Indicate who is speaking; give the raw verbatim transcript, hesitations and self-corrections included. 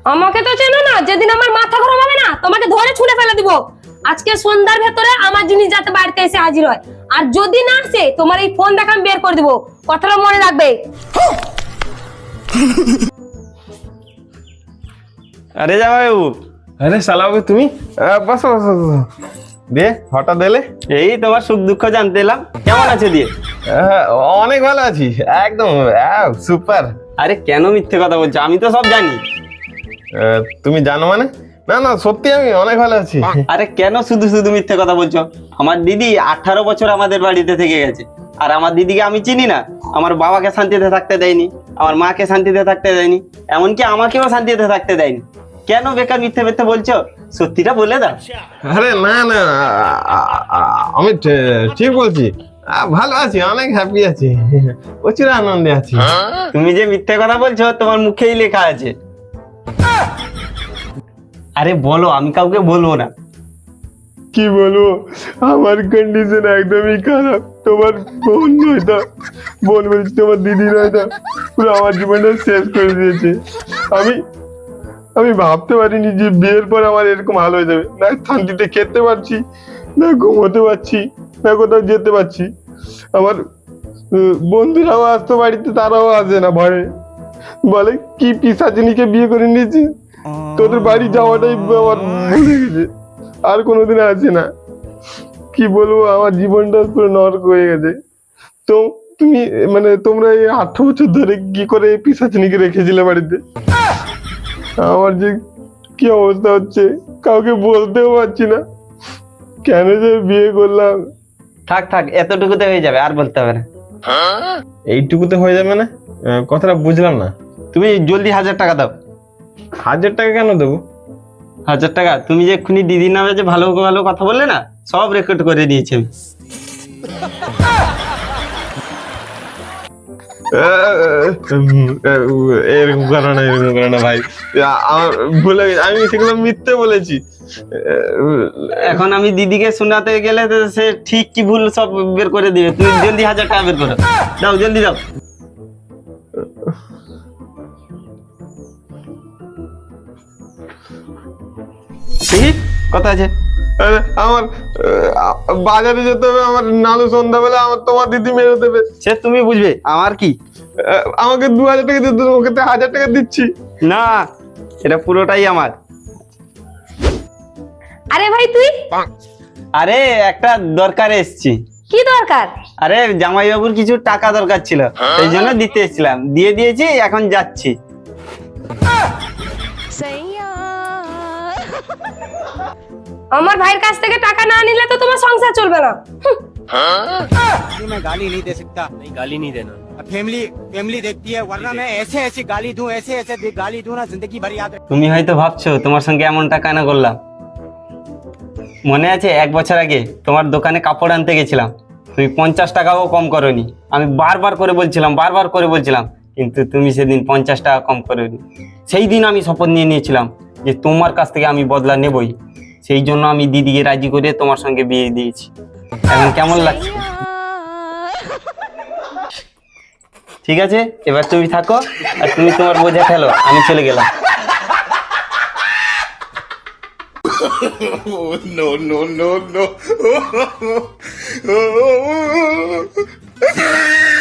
Speaker 1: আমাকে তো চেনো না, যেদিন আমার মাথা গরম হবে না তোমাকে ধরে ছুঁড়ে ফেলে দিব। আজকে সন্ধ্যার ভেতরে আমার জিনিস যাতে বাড়িতে এসে হাজির হয়, আর যদি না আসে তোমার এই ফোন দেখা আমি বের করে দিব, কথাটা মনে রাখবে।
Speaker 2: আরে জামাইবাবু।
Speaker 3: আরে শালাবাবু তুমি বসো বসো বসো। দিয়ে হঠাৎ এলে?
Speaker 2: এই তোমার সুখ দুঃখ জানতে এলাম, কেমন আছে দিয়ে?
Speaker 3: আহ, অনেক ভালো আছি, একদম সুপার।
Speaker 2: আরে কেন মিথ্যে কথা বলছো? আমি তো সব জানি।
Speaker 3: তুমি জানো মানে? না না সত্যি আমি অনেক ভালো আছি।
Speaker 2: আরে কেন শুধু শুধু মিথ্যে কথা বলছো? আমার দিদি আঠারো বছর আমাদের বাড়িতে থেকে গেছে, আর আমার দিদিকে আমি চিনি না। আমার বাবাকে শান্তিতে থাকতে দেয়নি, আমার মাকে শান্তিতে থাকতে দেয়নি, এমনকি আমাকেও শান্তিতে থাকতে দেয়নি। কেন বেকার মিথ্যে মিথ্যে বলছো? সত্যিটা বলে দাও।
Speaker 3: আরে না না আমি ঠিক বলছি, ভালো আছি, অনেক হ্যাপি আছি, প্রচুর আনন্দে আছি।
Speaker 2: তুমি যে মিথ্যে কথা বলছো তোমার মুখেই লেখা আছে। আরে বলো, আমি কাউকে বলবো না।
Speaker 3: কি বলবো, আমার কন্ডিশন একদমই খারাপ। তোমার বোন নয়টা, বোন বলছি তোমার দিদি নয়টা, পুরো আমার জীবনটা শেষ করে দিয়েছে। আমি আমি ভাবতে পারিনি যে বিয়ের পর আমার এরকম হাল হয়ে যাবে। না শান্তিতে খেতে পারছি, না ঘুমোতে পারছি, না কোথাও যেতে পারছি। আমার বন্ধুরাও আসতো বাড়িতে, তারাও আসে না ভয়ে, বলে কি পিসাচিনীকে বিয়ে করে নিয়েছি, তোদের বাড়ি যাওয়াটাই আমার ভুলে গেছে, আর কোনোদিন আসে না। কি বলবো, আমার জীবনটা পুরো নরক হয়ে গেছে। তো তুমি মানে তোমরা এই আঠারো বছর ধরে কি করে পিসাচিনীকে রেখেছিলে বাড়িতে? আমার যে কি অবস্থা হচ্ছে, কাউকে বলতেও পারছি না, কেন যে বিয়ে করলাম।
Speaker 2: থাক থাক, এতটুকুতে হয়ে যাবে, আর বলতে হবে না।
Speaker 3: এইটুকুতে হয়ে যাবে না? কথাটা বুঝলাম না।
Speaker 2: তুমি জলদি হাজার টাকা দাও।
Speaker 3: হাজার টাকা কেন দেবো?
Speaker 2: হাজার টাকা? তুমি যে এক্ষুনি দিদির নামে যে ভালো ভালো কথা বললে না, সব রেকর্ড করে দিয়েছি আমি।
Speaker 3: এরকম করো না, এরকম করো না ভাই, আমার ভুলে গেছে, আমি সেগুলো মিথ্যে বলেছি।
Speaker 2: এখন আমি দিদিকে শোনাতে গেলে তো সে ঠিক কি ভুল সব বের করে দিবে। তুমি জলদি হাজার টাকা বের করো, দাও জলদি দাও। ঠিক কথা আছে।
Speaker 3: আমার বাজারে যেতে হবে, আমার নালু সন্ধ্যাবেলা আমার তোমার দিদি মেরে দেবে।
Speaker 2: সে তুমি বুঝবে, আমার কি।
Speaker 3: আমাকে দু হাজার টাকা দিতে, ওকে তো হাজার টাকা দিচ্ছি।
Speaker 2: না, এটা পুরোটাই আমার।
Speaker 1: আরে ভাই তুই?
Speaker 2: আরে একটা দরকারে এসছি।
Speaker 1: কি দরকার?
Speaker 2: আরে জামাইবাবুর কিছু টাকা দরকার ছিল, এই জন্য দিতে এসেছিলাম, দিয়ে দিয়েছি, এখন যাচ্ছি।
Speaker 1: আমার ভাইয়ের কাছ থেকে টাকা না নিলে তো তোমার সংসার চলবে না।
Speaker 4: मैं गाली नहीं दे सकता। नहीं गाली नहीं देना। फैमिली फैमिली देखती है, वरना मैं ऐसे ऐसे गाली दूं, ऐसे ऐसे गाली दूं ना, जिंदगी भर याद रहे।
Speaker 2: তুমি হয়তো ভাবছো তোমার সঙ্গে এমনটা কেন করলাম। মনে আছে এক বছর আগে তোমার দোকানে কাপড় আনতে গেছিলাম, তুমি পঞ্চাশ টাকাও কম করোনি। আমি বারবার করে বলছিলাম, বারবার করে বলছিলাম, কিন্তু তুমি সেদিন পঞ্চাশ টাকা কম করোনি। সেই দিন আমি শপথ নিয়ে নিয়েছিলাম যে তোমার কাছ থেকে আমি বদলা নেবই। সেই জন্য আমি দিদিকে রাজি করে তোমার সঙ্গে বিয়ে দিয়েছি। এখন কেমন লাগছে? ঠিক আছে, এবার তুমি থাকো, আর তুমি তোমার বোঝা ফেলো, আমি চলে গেলাম।
Speaker 5: no, no, no, no.